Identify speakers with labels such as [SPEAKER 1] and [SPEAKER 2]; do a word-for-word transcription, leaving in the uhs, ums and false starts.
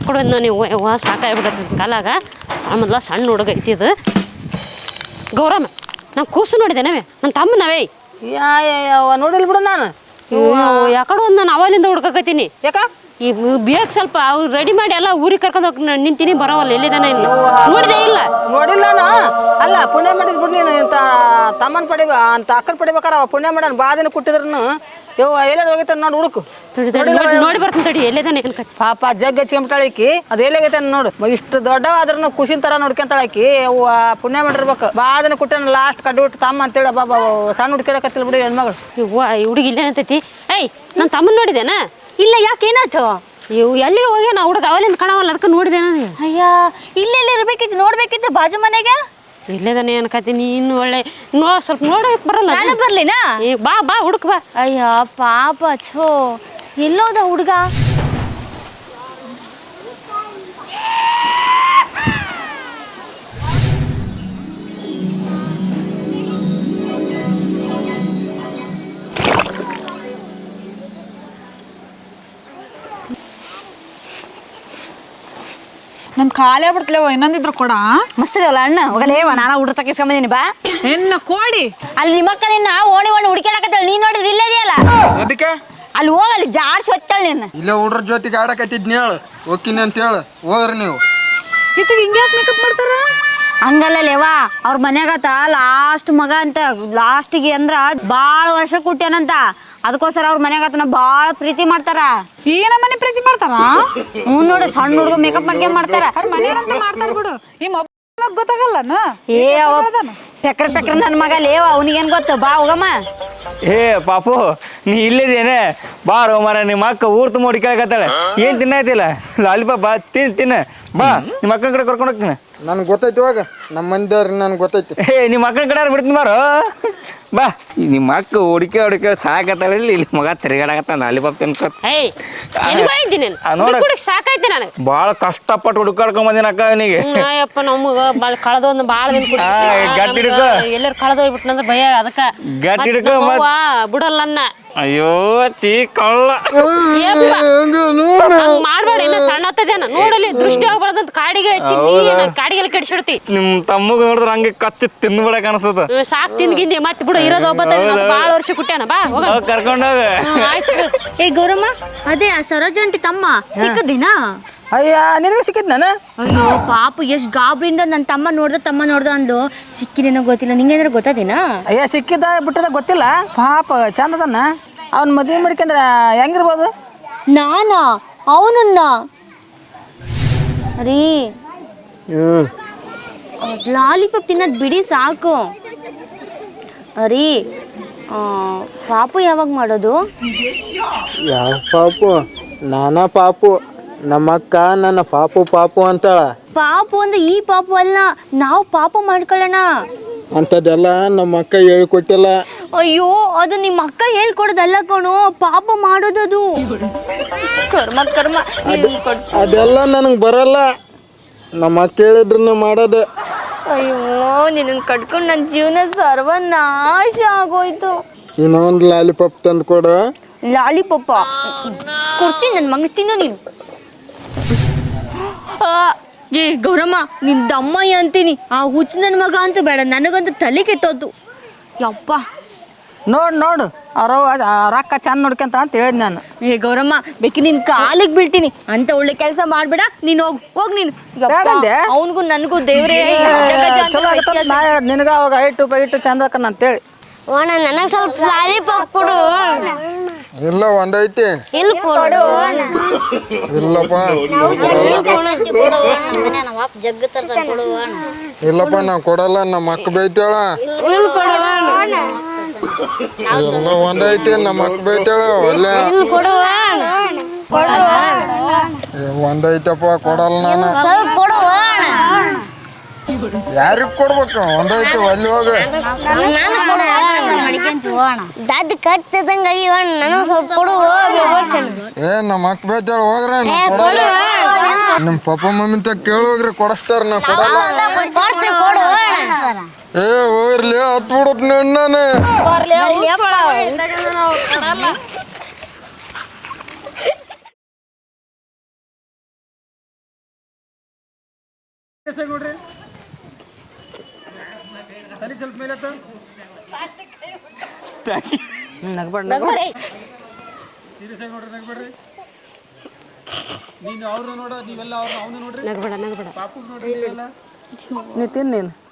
[SPEAKER 1] ಯಾಕಡೆ ನೀವು ಯವ್ವ ಸಾಕಾಗ್ಬಿಡತ್ತೆ ಕಾಲಾಗ ಮೊದಲ ಸಣ್ಣ ಹುಡುಗ ಐತಿ ಇದು ಗೌರಮ್ಮ ನಾನು ಕೂಸು ನೋಡಿದ್ದೇನೆ ನನ್ನ ತಮ್ಮನವೇ
[SPEAKER 2] ಯಾ ಯಾವ ನೋಡಿಲ್ ಬಿಡು ನಾನು
[SPEAKER 1] ಯಾಕಡೆ ಒಂದು ನಾನು ಅವಲಿಂದ ಹುಡ್ಕಕತ್ತೀನಿ
[SPEAKER 2] ಯಾಕ
[SPEAKER 1] ಈ ಬೇಗ ಸ್ವಲ್ಪ ಅವ್ರು ರೆಡಿ ಮಾಡಿ ಎಲ್ಲ ಊರಿಗೆ ಕರ್ಕೊಂಡು ಹೋಗಿ ನಿಂತೀನಿ ಬರೋವಲ್ಲ ಎಲ್ಲಿದ್ದಾನೆ ಇಲ್ಲ ನೋಡಿದೆ ಇಲ್ಲ
[SPEAKER 2] ನೋಡಿಲ್ಲ ನಾನು ಅಲ್ಲ ಪುಣ್ಯ ಮಾಡಿದ್ ಬಿಡು ನೀನು ಇಂಥ ತಮ್ಮನ ಪಡಿಬ ಅಂತ ಅಕ್ಕನ ಪಡಿಬೇಕಾರ ಅವ ಪುಣ್ಯ ಮಾಡ್ಯಾನ ಬಾ ದಿನ ಕೊಟ್ಟಿದ್ರು ಯವ್ವ ಎಲ್ಲೇ ಹೋಗೈತೆ ನೋಡಿ ಹುಡುಕು
[SPEAKER 1] ನೋಡಿ ಬರ್ತೀನಿ ತಡಿ ಎಲ್ಲಿದ್ದಾನೆ ಅನ್ಕ
[SPEAKER 2] ಪಾಪ ಜಗ್ ಹಚ್ಕೊಂಬಿಟ್ಟಾಳಕಿ ಅದು ಎಲ್ಲಾಗೈತೆ ನೋಡು ಇಷ್ಟು ದೊಡ್ಡವಾದ್ರೂ ಖುಷಿನ ತರ ನೋಡ್ಕೊಂತಾಳಕಿ ಅವ್ವ ಪುಣ್ಯ ಮಾಡಿರ್ಬೇಕು ಬಾ ದಿನ ಕೊಟ್ಟನ ಲಾಸ್ಟ್ ಕಡ್ಡಿ ಬಿಟ್ಟು ತಮ್ಮ ಅಂತೇಳಿ ಬಾಬಾ ಸಣ್ಣ ಹುಡ್ಕಿಡಕತ್ತಿಲ್ಲ ಬಿಡಿ ಹೆಣ್ಮಗಳು
[SPEAKER 1] ಇವ್ವ ಈ ಹುಡುಗಿ ಇಲ್ಲೇನಂತೈತಿ ಏಯ್ ನನ್ನ ತಮ್ಮನ ನೋಡಿದೇನಾ
[SPEAKER 3] ಇಲ್ಲ ಯಾಕೆ ಏನಾಯ್ತು
[SPEAKER 1] ಇವು ಎಲ್ಲಿಗೆ ಹೋಗಿ ನಾ ಹುಡುಗ ಅವಲಿಂದ ಕಾಣವಲ್ಲ ಅದಕ್ಕೆ ನೋಡಿದೇನ
[SPEAKER 3] ಅಯ್ಯ ಇಲ್ಲೆಲ್ಲ ಇರ್ಬೇಕಿತ್ತು ನೋಡ್ಬೇಕಿತ್ತು ಬಾಜು ಮನೆಗೆ
[SPEAKER 1] ಇಲ್ಲೇದಾನೆ ಅನ್ಕತೀನಿ ಇನ್ನು ಒಳ್ಳೆ ನೋ ಸ್ವಲ್ಪ ನೋಡಕ್ ಬರಲ್ಲ
[SPEAKER 3] ನಾನು ಬರ್ಲಿನಾ
[SPEAKER 1] ಏ ಬಾ ಬಾ ಹುಡುಕ್ ಬಾ
[SPEAKER 3] ಅಯ್ಯ ಪಾಪ ಛೋ ಎಲ್ಲೋದ ಹುಡುಗ
[SPEAKER 4] ನಮ್ ಖಾಲಿ ಆಗ್ಬಿಡ್ತಲೇವ ಇನ್ನೊಂದಿದ್ರು ಕೊಡ
[SPEAKER 3] ಮಸ್ತ್ ಇದವಲ್ಲ ಅಣ್ಣ ಹೋಗಲೇವ ನಾನು ಹುಡುಗ ತಕ್ಕಿಸ್ಕೊಂಬಂದಿನಿ ಬಾ
[SPEAKER 4] ಹೆಣ್ಣ ಕೋಡಿ
[SPEAKER 3] ಅಲ್ಲಿ ನಿಮ್ಮ ಅಕ್ಕ ನಿನ್ನ ಓಣಿ ಓಣಿ ಹುಡುಕಾಡಕತ್ತಳ ನೀನ್ ನೋಡಿದ್ರೆ ಇಲ್ಲೇ ಇದೆಯಲ್ಲ
[SPEAKER 5] ಅದಕ್ಕೆ
[SPEAKER 3] ಅಲ್ಲಿ ಹೋಗಲ್ಲಿ ಜಾಡ್ಸಿ ಹೊತ್ತಾಳ ನಿನ್ನ
[SPEAKER 5] ಇಲ್ಲ ಹುಡ್ರ ಜೊತೆಗೆ ಆಡಕತ್ತಿದ್ನಿ ಹೇಳು ಹೋಗ್ತೀನಿ ಅಂತ ಹೇಳು ಹೋಗ್ರಿ ನೀವು
[SPEAKER 4] ಇತ್ತಿಗೆ ಹಿಂಗೆ ಮೇಕಪ್ ಮಾಡ್ತಾರ
[SPEAKER 3] ಹಂಗಲ್ಲ ಲೇವಾ ಅವ್ರ ಮನ್ಯಾಗತ್ತ ಲಾಸ್ಟ್ ಮಗ ಅಂತ ಲಾಸ್ಟಿಗೆ ಅಂದ್ರ ಬಾಳ ವರ್ಷ ಕುಟ್ಟ್ಯಾನಂತ ಅದಕ್ಕೋಸ್ಕರ ಅವ್ರ ಮನ್ಯಾಗತನ ಬಾಳ ಪ್ರೀತಿ ಮಾಡ್ತಾರ
[SPEAKER 4] ಈ ನಮ್ಮನೆ ಪ್ರೀತಿ ಮಾಡ್ತಾರ
[SPEAKER 3] ಹ್ಞೂ ನೋಡಿ ಸಣ್ಣ ಹುಡುಗ ಮೇಕಪ್ ಮಾಡ್ಕೊಂಡ್ ಮಾಡ್ತಾರ
[SPEAKER 4] ಅವ್ರ ಮನೆಯಂತ ಮಾಡ್ತಾರ ಬಿಡು ಈ ಮೊಬೈಲ್ ಗೊತ್ತಾಗಲ್ಲನ
[SPEAKER 3] ಏ ಅವ ಪೆಕ್ರ ಪೆಕ್ರ ನನ್ನ ಮಗ ಲೇವ ಅವನಿಗೇನ್ ಗೊತ್ತು ಬಾ ಹೋಗಮ್ಮ
[SPEAKER 6] ಏ ಪಾಪು ನೀ ಇಲ್ಲಿದೇನೆ ಬಾರೋ ಮರ ನಿಮ್ಮ ಅಕ್ಕ ಊರ್ ತುಂಬ ಹುಡುಕಾಕತ್ತಾಳೆ ಏನ್ ತಿನ್ನೈತಿಲ್ಲ ಲಾಲಿಪಾಪ್ ಬಾ ತಿನ್ ತಿನ್ನ ಬಾ ನಿಮ್ಮ ಅಕ್ಕನ ಕಡೆ ಕರ್ಕೊಂಡು ಹೋಗ್ತೀನಿ
[SPEAKER 5] ನನ್ಗೆ ಗೊತ್ತೈತಿ ಇವಾಗ ನಮ್ಮ ಮಂದಿಯವ್ರಿಗೆ ನನ್ಗೆ ಗೊತ್ತೈತಿ
[SPEAKER 6] ಏ ನಿಮ್ಮ ಅಕ್ಕನ ಕಡೆ ಬಿಡ್ತೀನಿ ಬಾರೋ ಬಾ ನಿಮ್ಮ ಅಕ್ಕ ಹುಡುಕಿ ಹುಡುಕಿ ಸಾಕತ್ತಾಳೆ ಇಲ್ಲಿ ಇಲ್ಲಿ ಮಗ ತಿರುಗಾಡಕತ್ತ ಲಾಲಿಪಾಪ್ ತಿನ್ಕೊ
[SPEAKER 1] ಏಯ್ ಎಲ್ಲಿಗೆ ಹೋಗಿದ್ದೀನಿ ಹುಡುಗ ಸಾಕಾಯ್ತು ನನಗೆ
[SPEAKER 6] ಭಾಳ ಕಷ್ಟಪಟ್ಟು ಹುಡುಕಾಡ್ಕೊಂಡ್ ಬಂದಿನ ಅಕ್ಕ ಅವನಿಗೆ
[SPEAKER 1] ಅಯ್ಯಪ್ಪ ನಮ್ಗ ಭಾಳ ಕಳೆದೊಂದು ಭಾಳ ದಿನ
[SPEAKER 6] ಗಟ್ಟಿ ಹಿಡ್ಕೊ
[SPEAKER 1] ಎಲ್ಲರೂ ಕಳೆದ ಹೋಗ್ಬಿಟ್ನಂದ್ರೆ ಭಯ ಅದಕ್ಕ
[SPEAKER 6] ಗಟ್ಟಿ ಹಿಡ್ಕೊ
[SPEAKER 1] ಬಿಡಲ್ಲ ನನ್ನ
[SPEAKER 6] ಅಯ್ಯೋ ಚೀ ಕಳ್ಳ
[SPEAKER 1] ಮಾಡ್ಬೇಡ ಇನ್ನ ಸಣ್ಣ ಹತ್ತದೇನ ನೋಡಲಿ ದೃಷ್ಟಿ ಆಗ್ಬಾರ್ದಂತ ಕಾಡಿಗೆ ಹಚ್ಚಿ ನೀ ಕಾಡಿಗೆಲ್ಲ ಕೆಡಿಸಿಡ್ತಿ
[SPEAKER 6] ನಿಮ್ ತಮ್ಮಗ ನೋಡಿದ್ರ ಹಂಗೆ ಕಚ್ಚಿ ತಿನ್ಬಿಡಕ್ ಅನ್ಸದ
[SPEAKER 1] ಸಾಕ್ ತಿಂದ್ಗಿಂದಿ ಮತ್ತೆ ಬಿಡು ಇರೋದು ಒಬ್ಬ ಬಾಳ ವರ್ಷ ಕುಟ್ಟ್ಯಾನ ಬಾ ಹೋಗ
[SPEAKER 6] ಕರ್ಕೊಂಡೋಗ
[SPEAKER 1] ಆಯ್ತು
[SPEAKER 3] ಏ ಗೌರಮ್ಮ ಅದೇ ಆ ಸರೋಜ ಆಂಟಿ ತಮ್ಮ ಸಿಕ್ಕದಿನ
[SPEAKER 2] ಅಯ್ಯ ನಿನಗೆ ಸಿಕ್ಕಿದ್ ನಾನು
[SPEAKER 3] ಅಯ್ಯೋ ಪಾಪ ಎಷ್ಟ್ ಗಾಬ್ರಿಂದ ನನ್ನ ತಮ್ಮ ನೋಡ್ದ ತಮ್ಮ ನೋಡ್ದ ಅಂದ್ಲು ಸಿಕ್ಕಿದೇನೋ ಗೊತ್ತಿಲ್ಲ ನಿಂಗೇನಾರ ಗೊತ್ತದೇನ
[SPEAKER 2] ಅಯ್ಯ ಸಿಕ್ಕಿದ ಬಿಟ್ಟದ ಗೊತ್ತಿಲ್ಲ ಪಾಪ ಚಂದದನ್ನ ಅವ್ನ ಮದುವೆ ಮಾಡ್ಕೊಂಡ್ರ ಹೆಂಗಿರ್ಬೋದು
[SPEAKER 3] ನಾನಾ ಅವನನ್ನ ರೀ ಲಾಲಿಪಾಪ್ ತಿನ್ನೋದು ಬಿಡಿ ಸಾಕು ರೀ ಪಾಪು ಯಾವಾಗ ಮಾಡೋದು
[SPEAKER 5] ಯಾವ ಪಾಪು ನಾನಾ ಪಾಪು ನಮ್ಮಕ್ಕ ನನ್ನ ಪಾಪು ಪಾಪು ಅಂತಾಳ
[SPEAKER 3] ಪಾಪು ಅಂದ್ರೆ ಈ ಪಾಪು ಅಲ್ಲ ನಾವು ಪಾಪ ಮಾಡ್ಕೊಳ್ಳೋಣ
[SPEAKER 5] ಅಂಥದ್ದೆಲ್ಲ ನಮ್ಮ ಅಕ್ಕ ಹೇಳ್ಕೊಟ್ಟಿಲ್ಲ
[SPEAKER 3] ಅಯ್ಯೋ ಅದು ನಿಮ್ಮ ಅಕ್ಕ ಹೇಳ್ಕೊಡೋದಲ್ಲ ಕಣೋ ಪಾಪ ಮಾಡೋದದು ಕರ್ಮ ಕರ್ಮ
[SPEAKER 5] ಅದೆಲ್ಲ ನನಗೆ ಬರಲ್ಲ ನಮ್ಮ ಅಕ್ಕ ಹೇಳಿದ್ರು ಮಾಡೋದು
[SPEAKER 3] ಅಯ್ಯೋ ನಿನ್ನ ಕಟ್ಕೊಂಡು ನನ್ನ ಜೀವನ ಸರ್ವನಾಶ ಆಗೋಯ್ತು
[SPEAKER 5] ಇನ್ನೊಂದು ಲಾಲಿಪಾಪ್ ತಂದು ಕೊಡು
[SPEAKER 3] ಲಾಲಿಪಾಪ ಕೊಡ್ತೀನಿ ನನ್ನ ಮಗ ತಿನ್ನು ನೀನು ಏ ಗೌರಮ್ಮ ನಿನ್ ದಮ್ಮಯ್ಯ ಅಂತೀನಿ ಆ ಹುಚ್ಚ ನನ್ನ ಮಗ ಅಂತೂ ಬೇಡ ನನಗಂತೂ ತಲೆ ಕೆಟ್ಟೋದು ಯಪ್ಪ
[SPEAKER 2] ನೋಡು ನೋಡು ಅವ್ರ ರೊಕ್ಕ ಚಂದ ನೋಡ್ಕೊಂತ ಅಂತ ಹೇಳಿದ್ ನಾನು
[SPEAKER 3] ಏ ಗೌರಮ್ಮ ಬೇಕಿ ನಿನ್ ಕಾಲಿಗೆ ಬೀಳ್ತೀನಿ ಅಂತ ಒಳ್ಳೆ ಕೆಲಸ ಮಾಡ್ಬೇಡ ನೀನ್ ಹೋಗ್ ಹೋಗ್ ನೀನು ಅವನಿಗೂ ನನಗೂ ದೇವ್ರೇ
[SPEAKER 2] ಚಲೋ ಆಗತ್ತ ನಾ ಹೇಳ್ದೆ ನಿನಗ ಅವಾಗ ಐಟು ಪೈಟು ಚಂದ ಅಕ್ಕನ ಅಂತೇಳಿ
[SPEAKER 7] ಓಣ ನನಗೆ ಸ್ವಲ್ಪ ಲಾಲಿಪಾಪ್ ಕೊಡು
[SPEAKER 5] ಇಲ್ಲ ಒಂದೈತಿ
[SPEAKER 7] ಇಲ್ಲಿ ಕೊಡು
[SPEAKER 5] ಇಲ್ಲಪ್ಪ
[SPEAKER 7] ಜಗ್ಗ ತರ್ತಾನೆ ಕೊಡು
[SPEAKER 5] ಇಲ್ಲಪ್ಪ ನಾ ಕೊಡಲ್ಲ ನಮ್ಮ ಅಕ್ಕ ಬೈತಾಳ ಎಲ್ಲ ಒಂದೈತಿ ನಮ್ಮ ಅಕ್ಕ ಬೈತಾಳ ಒಳ್ಳೆ ಒಂದೈತಪ್ಪ ಕೊಡಲ್ಲ ನಾನು
[SPEAKER 7] ಸ್ವಲ್ಪ ಕೊಡು
[SPEAKER 5] ಯಾರಿಗ್ ಕೊಡ್ಬೇಕು ಒಂದೈತಿ ಅಲ್ಲಿ ಹೋಗ
[SPEAKER 7] ದದ್ ಕಟ್ತಿದಂಗ ನನಗೆ ಸ್ವಲ್ಪ ಕೊಡು
[SPEAKER 5] ಏ ನಮ್ಮ ಅಕ್ಕ ಬೈತಾಳ ಹೋಗ್ರ ಕೊಡಲ್ಲ ನಿಮ್ ಪಪ್ಪ ಮಮ್ಮಿ ತ ಕೇಳೋಗ್ರಿ ಕೊಡಸ್ತಾರ ನಾ ಕೊಡಲ್ಲ ಏ ಹೋಗ್ಲಿ ಹತ್ ಬಿಡತ್ ನಾನು
[SPEAKER 8] ನೋಡ್ರಿ ತಲೆ ಸ್ವಲ್ಪ ಮೇಲೆ
[SPEAKER 2] ನಗ್ಬೇಡ
[SPEAKER 1] ನಗ್ಬೇಡ.
[SPEAKER 8] ಸೀರಿಯಸ್ ಆಗಿ ನೋಡ್ರಿ ನಗ್ಬೇಡ್ರಿ ನೀನು ಅವ್ರನ್ನ ನೋಡ ನೀವೆಲ್ಲ ಅವ್ರನ್ನ ಅವನು ನೋಡ್ರಿ
[SPEAKER 1] ನಗ್ಬೇಡ ನಗ್ಬೇಡ
[SPEAKER 8] ಪಾಪು ನೋಡ್ರಿ ನೀವೆಲ್ಲ
[SPEAKER 2] ನೀ ತಿನ್ನು ನೀನು